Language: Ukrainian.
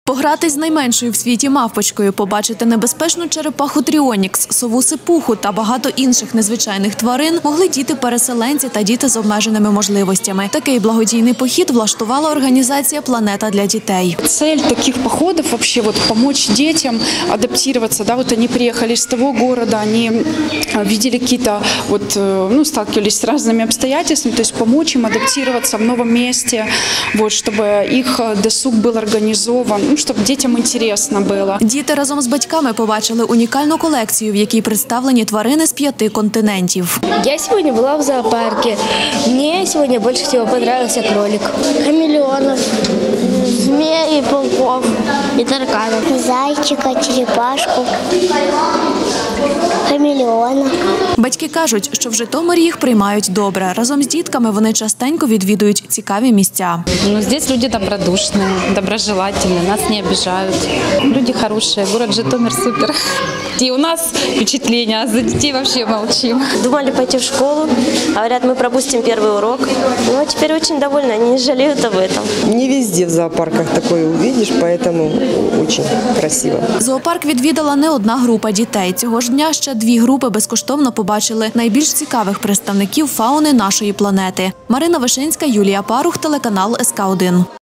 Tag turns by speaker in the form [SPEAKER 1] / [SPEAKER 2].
[SPEAKER 1] Погратись з найменшою в світі мавпочкою, побачити небезпечну черепаху Тріонікс, сову Сипуху та багато інших незвичайних тварин могли діти-переселенці та діти з обмеженими можливостями. Такий благодійний похід влаштувала організація «Планета для дітей».
[SPEAKER 2] Цель таких походов вообще помочь детям адаптироваться. Да, они приехали из того города, они видели какие-то сталкивались с разными обстоятельствами, то есть помочь им адаптироваться в новом месте, чтобы их досуг был организован, чтобы детям интересно было.
[SPEAKER 1] Діти разом з батьками побачили унікальну колекцію, в якій представлені тварини з 5 континентів.
[SPEAKER 3] Я сьогодні була в зоопарку. Мені сьогодні більше всього подобався кролик. Хамелеонов, змей, пауков і тараканів. Зайчика, черепашку, хамелеона.
[SPEAKER 1] Батьки кажуть, що в Житомирі їх приймають добре. Разом з дітками вони частенько відвідують цікаві місця.
[SPEAKER 4] Здесь люди добродушные, доброжелательные, нас не обижают. Люди хорошие, город Житомир супер. И у нас впечатление, а за детей вообще молчим.
[SPEAKER 3] Думали пойти в школу, говорят, мы пропустим первый урок. Но теперь очень довольны, они не жалеют об этом.
[SPEAKER 5] Не везде в зоопарках такое увидишь, поэтому очень красиво.
[SPEAKER 1] Зоопарк відвідала не одна група дітей. Цього ж дня ще 2 групи безкоштовно побачили найбільш цікавих представників фауни нашої планети. Марина Вишинська, Юлія Парух, телеканал СК1.